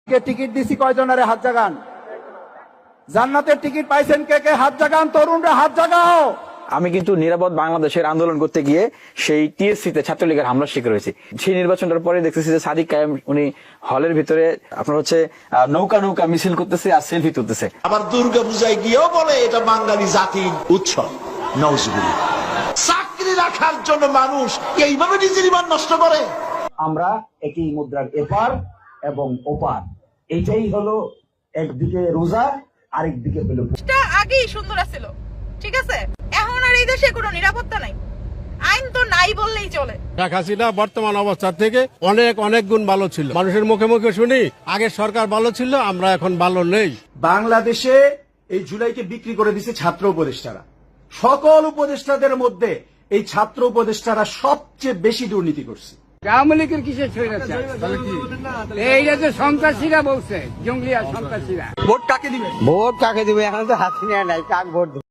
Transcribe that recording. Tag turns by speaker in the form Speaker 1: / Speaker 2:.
Speaker 1: Ticket দিছি কয়জনের হাত জাগান? জান্নাতের টিকিট পাইছেন কে কে? হাত জাগান, তরুণরা হাত জাগাও।
Speaker 2: আমি কিন্তু নিরাপদ বাংলাদেশের আন্দোলন করতে গিয়ে সেই টিএসসিতে ছাত্রলীগের হামলার শিকার হয়েছি। সেই নির্বাচনটার পরে দেখতেছি যে সাদিক কায়েম উনি হলের ভিতরে আপনার হচ্ছে নৌকা নৌকা মিছিল করতেছে আর সেলফি তুলতেছে।
Speaker 3: আবার দুর্গা পূজায় গিয়েও বলে এটা বাঙালি জাতির উৎসব। নওজুবিল্লাহ। চাকরি রাখার জন্য মানুষ এইভাবে নিজের ঈমান নষ্ট করে।
Speaker 1: আমরা একই মুদ্রার এপার এবং ওপার, এইটাই হলো একদিকে রোজা আরেকদিকে হলো।
Speaker 4: আগেই সুন্দর ছিল, ঠিক আছে? এখন আর এই দেশে কোনো নিরাপত্তা নাই, আইন তো নাই বললেই চলে।
Speaker 5: শেখ হাসিনা বর্তমান অবস্থা থেকে অনেক অনেক গুণ ভালো ছিল। মানুষের মুখে মুখে শুনি আগে সরকার ভালো ছিল, আমরা এখন ভালো নেই।
Speaker 1: বাংলাদেশে এই জুলাইকে বিক্রি করে দিচ্ছে ছাত্র উপদেষ্টারা। সকল উপদেষ্টাদের মধ্যে এই ছাত্র উপদেষ্টারা সবচেয়ে বেশি দুর্নীতি করছে।
Speaker 6: আওয়ামী লীগের কিসের স্বৈরাচার? এইটা তো সন্ত্রাসীরা বলছে, জঙ্গলি আর সন্ত্রাসীরা।
Speaker 7: ভোট কাকে দিবে? এখন তো হাসিনা নাই, কাক ভোট